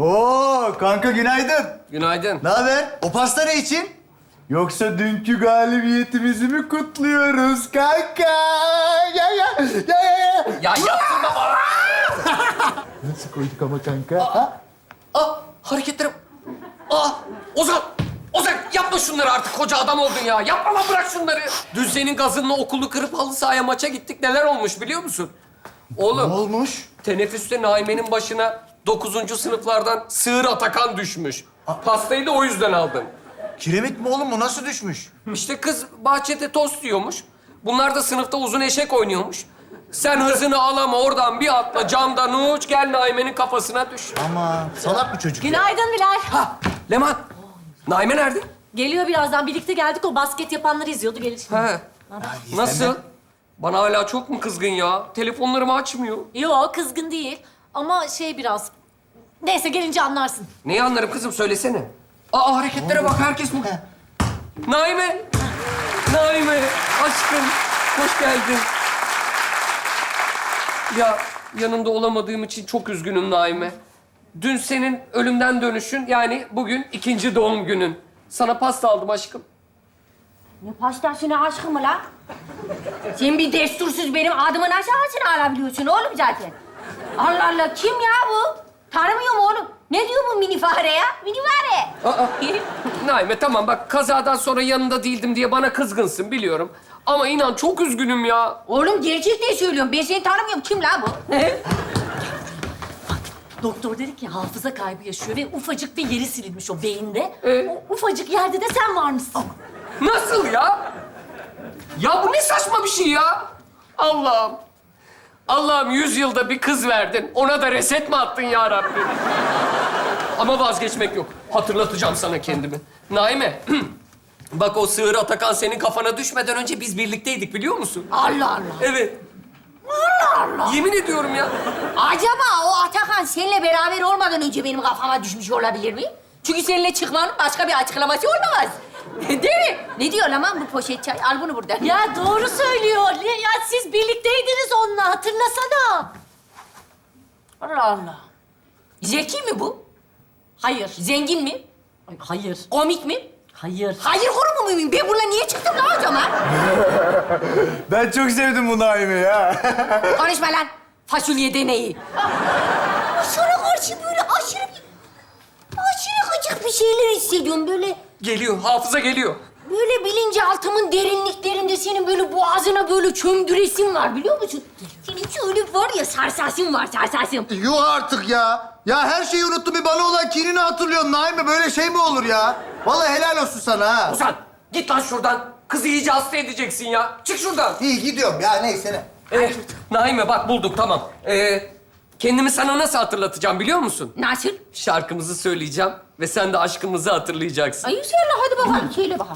Oo kanka günaydın. Günaydın. Ne haber? O pasta ne için? Yoksa dünkü galibiyetimizi mi kutluyoruz kanka? Ya. Ya yaptırma bana. Nasıl koyduk ama kanka? Ha? Hareketlerim. Ozan. Ozan yapma şunları artık. Koca adam oldun ya. Yapma lan, bırak şunları. Dün senin gazınla okulu kırıp halı sahaya maça gittik. Neler olmuş biliyor musun? Ne Oğlum, olmuş? teneffüste Naime'nin başına 9. sınıflardan Sığır Atakan düşmüş. Pastayı da o yüzden aldım. Kiremit mi oğlum? Bu nasıl düşmüş? İşte kız bahçede tost yiyormuş. Bunlar da sınıfta uzun eşek oynuyormuş. Sen hızını alama, oradan bir atla, camdan uç, gel Naime'nin kafasına düş. Ama salak bir çocuk. Günaydın Bilal. Ha, Leman. Naime nerede? Geliyor birazdan. Birlikte geldik. O basket yapanları izliyordu. Gelir şimdi. He. Nasıl? Bana hala çok mu kızgın ya? Telefonlarımı açmıyor. Yok, kızgın değil. Ama biraz... Neyse, gelince anlarsın. Neyi anlarım kızım, söylesene. Hareketlere bak, herkes mi? Naime! Naime, aşkım. Hoş geldin. Ya, yanında olamadığım için çok üzgünüm Naime. Dün senin ölümden dönüşün, yani bugün 2. doğum günün. Sana pasta aldım aşkım. Ne pastasına aşkım mı lan? Sen bir destursuz benim adımın aşağısını alabiliyorsun oğlum zaten. Allah Allah, kim ya bu? Tanımıyor mu oğlum? Ne diyor bu mini fare ya? Mini fare. Naime tamam bak, kazadan sonra yanında değildim diye bana kızgınsın biliyorum. Ama inan çok üzgünüm ya. Oğlum gerçekten söylüyorum. Ben seni tanımıyorum. Kim lan bu? Doktor dedi ki hafıza kaybı yaşıyor ve ufacık bir yeri silinmiş o beyinde. Ee? O ufacık yerde de sen varmışsın. Nasıl ya? Ya bu ne saçma bir şey ya? Allah'ım. Allah'ım 100 yılda bir kız verdin. Ona da reset mi attın ya Rabbim? Ama vazgeçmek yok. Hatırlatacağım sana kendimi. Naime, bak o Sığır Atakan senin kafana düşmeden önce biz birlikteydik biliyor musun? Allah Allah. Evet. Allah Allah. Yemin ediyorum ya. Acaba o Atakan seninle beraber olmadan önce benim kafama düşmüş olabilir mi? Çünkü seninle çıkmanın başka bir açıklaması olamaz. Değil mi? Ne diyor lan bu poşet çay? Al bunu buradan. Ya doğru söylüyor. Ya siz birlikteydiniz onunla. Hatırlasana. Allah Allah. Zeki mi bu? Hayır. Zengin mi? Ay, hayır. Komik mi? Hayır. Hayır kurumu muyum? Ben bununla niye çıktım lan o zaman? Ben çok sevdim bu Naime ya. Konuşma lan. Fasulye deneyi. Sana karşı böyle aşırı gıcık bir şeyler hissediyorum. Geliyor, hafıza geliyor. Böyle bilinçaltımın derinliklerinde senin böyle boğazına böyle çömdüresin var biliyor musun? Senin şöyle var ya sarsasın var sarsasın. Yuh artık ya. Ya her şeyi unuttum. Bir bana olan kinini hatırlıyorum Naime. Böyle şey mi olur ya? Vallahi helal olsun sana ha. Ozan, git lan şuradan. Kızı iyice hasta edeceksin ya. Çık şuradan. İyi gidiyorum ya neyse ne. Naime bak bulduk tamam. Kendimi sana nasıl hatırlatacağım biliyor musun? Nasıl? Şarkımızı söyleyeceğim ve sen de aşkımızı hatırlayacaksın. Ay söyle hadi bakalım söyle bakalım.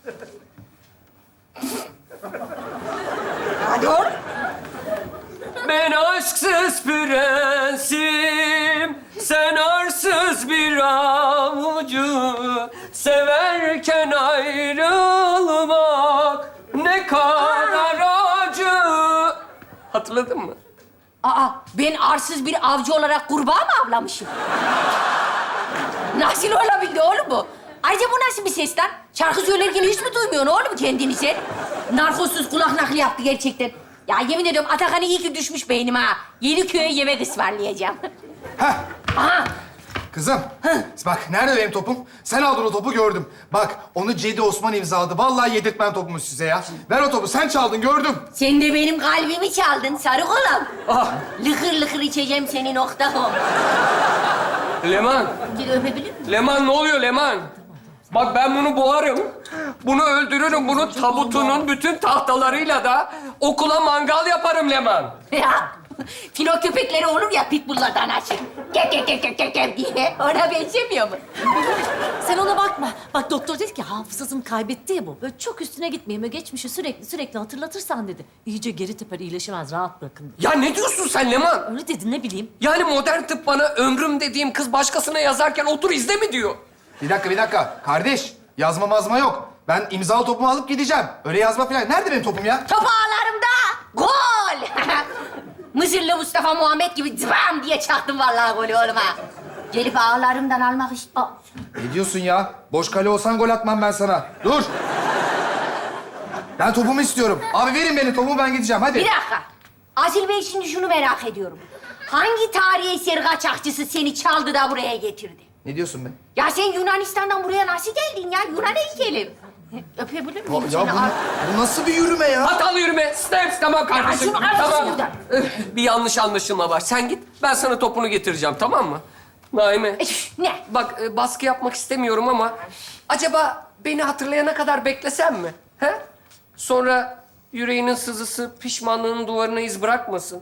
Hadi oğlum. Ben aşksız prensim, sen arsız bir avucu. Severken ayrılmak ne kadar acı. Hatırladın mı? Aa ben arsız bir avcı olarak kurbağa mı avlamışım? Nasıl olabildi oğlum bu? Ayrıca bu nasıl bir ses lan? Şarkı söylerken hiç mi duymuyorsun oğlum kendini sen? Narkozsuz kulak nakli yaptı gerçekten. Ya yemin ediyorum Atakan'ı iyi ki düşmüş beynime ha. Yeniköy'e yemek ısmarlayacağım. Heh, Aha! kızım. Bak nerede benim topum? Sen aldın o topu gördüm. Bak onu Cedi Osman imzaladı. Vallahi yedirtmem topumu size ya. Ver o topu. Sen çaldın gördüm. Sen de benim kalbimi çaldın sarı kolam. Ah, Lıkır lıkır içeceğim seni nokta.com. Leman, Bir öpebilir miyim? Leman ne oluyor Leman? Bak ben bunu boğarım. Bunu öldürürüm. Bunu tabutunun bütün tahtalarıyla da okula mangal yaparım Leman. Ya filo köpekleri olur ya pitbulllardan açık. Gek diye. Ona benzemiyor mu? Sen ona bakma. Bak doktor dedi ki hafızasını kaybetti ya bu. Böyle çok üstüne gitmeyin. Böyle geçmişi sürekli hatırlatırsan dedi. İyice geri teper iyileşemez. Rahat bırakın dedi. Ya ne diyorsun sen Leman? Öyle dedi ne bileyim. Yani modern tıp bana ömrüm dediğim kız başkasına yazarken otur izle mi diyor? Bir dakika. Kardeş, yazma mazma yok. Ben imzalı topumu alıp gideceğim. Öyle yazma falan. Nerede benim topum ya? Top ağlarımda gol. Mısırlı Mustafa Muhammed gibi zıbam diye çaktım vallahi golü oğlum ha. Gelip ağlarımdan almak istiyor. Ne diyorsun ya? Boş kale olsan gol atmam ben sana. Dur. Ben topumu istiyorum. Abi verin beni topumu, ben gideceğim. Hadi. Bir dakika. Asil Bey, şimdi şunu merak ediyorum. Hangi tarihi eser kaçakçısı seni çaldı da buraya getirdi? Ne diyorsun be? Ya sen Yunanistan'dan buraya nasıl geldin ya? Yunan heykeli. Öpebilir miyim Ya seni? bu nasıl bir yürüme ya? Hatalı yürüme. Steps, tamam kardeşim. şunu al Tamam. şuradan. Bir yanlış anlaşılma var. Sen git, ben sana topunu getireceğim, tamam mı? Naime, Ne? bak baskı yapmak istemiyorum ama... acaba beni hatırlayana kadar beklesem mi? He? Sonra yüreğinin sızısı pişmanlığının duvarına iz bırakmasın.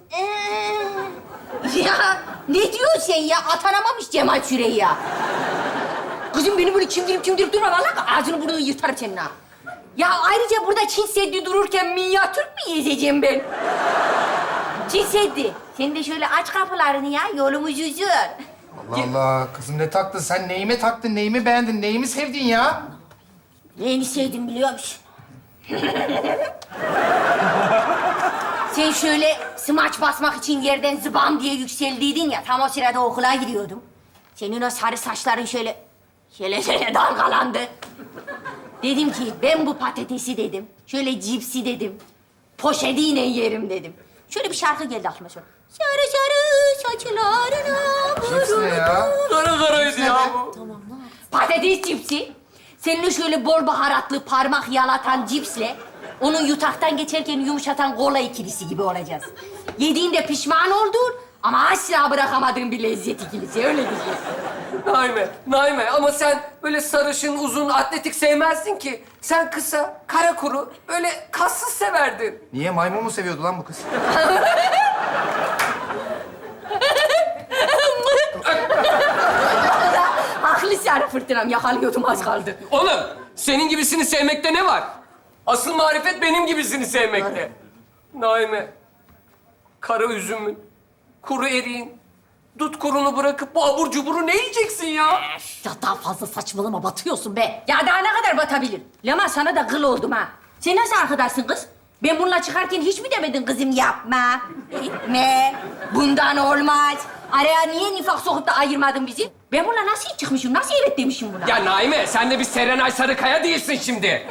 Ya ne diyorsun sen ya? Atanamamış Cemal Süreyi ya. Kızım beni böyle çimdirip durma. Vallahi ağzını burnunu yırtarım senin ha. Ya ayrıca burada Çin Seddi dururken minyatür mü gezeceğim ben? Çin Seddi. Sen de şöyle aç kapılarını ya. Yolumuz uzun. Allah Allah. Kızım ne taktın? Sen neyime taktın? Neyimi beğendin? Neyimi sevdin ya? Neyini sevdim biliyor musun? Sen şöyle smaç basmak için yerden zıbam diye yükseldiydin ya. Tam o sırada okula gidiyordum. Senin o sarı saçların şöyle dalgalandı. Dedim ki ben bu patatesi dedim. Şöyle cipsi dedim. Poşetiyle yerim dedim. Şöyle bir şarkı geldi aklıma şöyle. Sarı sarı saçlarına Cips ne ya? Kara karaydı ya bu. patates cipsi. Seninle şöyle bol baharatlı parmak yalatan cipsle onu yutaktan geçerken yumuşatan kola ikilisi gibi olacağız. Yediğinde pişman oldun ama asla bırakamadığın bir lezzet ikilisi. Öyle diyeceğiz. Naime ama sen böyle sarışın, uzun, atletik sevmezsin ki. Sen kısa, kara kuru, böyle kassız severdin. Niye? Maymun mu seviyordu lan bu kız? Haklı sarı fırtınam. Yakalıyordum az kaldı. Oğlum, senin gibisini sevmekte ne var? Asıl marifet benim gibisini sevmekte. Naime, kara üzümün, kuru eriğin, dut kurunu bırakıp bu abur cuburu ne yiyeceksin ya? Ya daha fazla saçmalama, batıyorsun be. Ya daha ne kadar batabilir? Lama sana da kıl oldum ha. Sen nasıl arkadaşsın kız? Ben bununla çıkarken hiç mi demedin kızım yapma, etme, bundan olmaz. Araya niye nifak sokup da ayırmadın bizi? Ben bununla nasıl çıkmışım, nasıl evet demişim buna? Ya Naime, sen de bir Serenay Sarıkaya değilsin şimdi.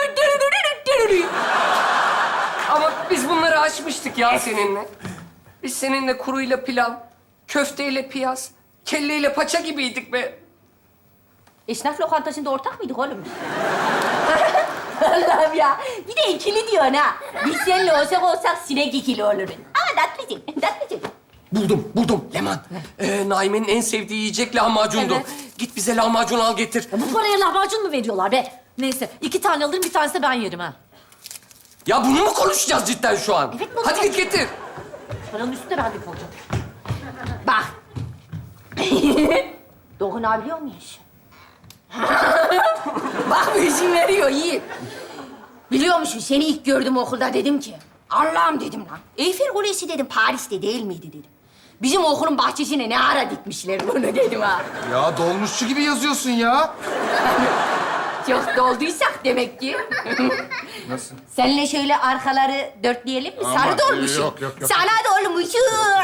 Ama biz bunları aşmıştık ya seninle. Biz seninle kuruyla pilav, köfteyle piyaz, kelleyle paça gibiydik be. Esnaf lokantasında ortak mıydık oğlum? Allah'ım ya. Bir de ikili diyorsun ha. Biz seninle olsak sinek ikili oluruz. Ama tatlıcık. Buldum Leman. Naime'nin en sevdiği yiyecek lahmacundu. Evet. Git bize lahmacun al getir. Ya bu paraya lahmacun mu veriyorlar be? Neyse, 2 tane alırım, bir tanesi de ben yerim ha. Ya bunu mu konuşacağız cidden şu an? Evet, bunu Hadi git getir. Paranın üstünde ben de kalacağım. Bak. Dokunabiliyor muyuz? Bak bir izin veriyor, iyi. Biliyor musun, seni ilk gördüm okulda dedim ki... Allah'ım dedim lan. Eyfel Kulesi dedim, Paris'te değil miydi dedim. Bizim okulun bahçesine ne ara dikmişler bunu dedim ha. Ya dolmuşçu gibi yazıyorsun ya. Çok dolduysak demek ki. Nasıl? Seninle şöyle arkaları dörtleyelim mi? Sarı dolmuşum. yok. Sana dolmuşum.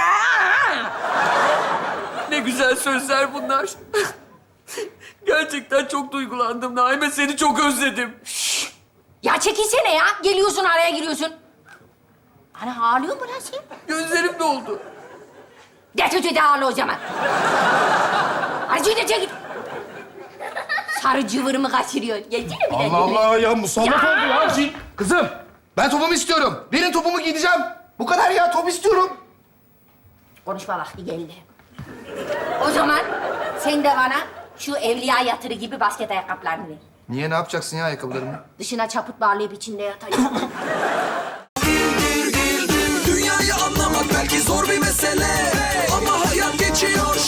Ne güzel sözler bunlar. Gerçekten çok duygulandım Naime. Seni çok özledim. Ya çekilsene ya. Geliyorsun araya giriyorsun. Ana ağlıyor mu lan sen? Gözlerim doldu. Getir ağla o zaman. Hadi çekil. Sarı cıvırımı kaçırıyor. Gelsene bir de. Allah Allah ya musallat oldu ya. Kızım ben topumu istiyorum. Verin topumu giyeceğim. Bu kadar ya, top istiyorum. Konuşma vakti geldi. O zaman sen de bana şu evliya yatırı gibi basket ayakkabılarını ver. Niye, ne yapacaksın ya ayakkabılarımı? Dışına çaput bağlayıp içinde yatayım. Dünyayı anlamak belki zor bir mesele, ama hayat geçiyor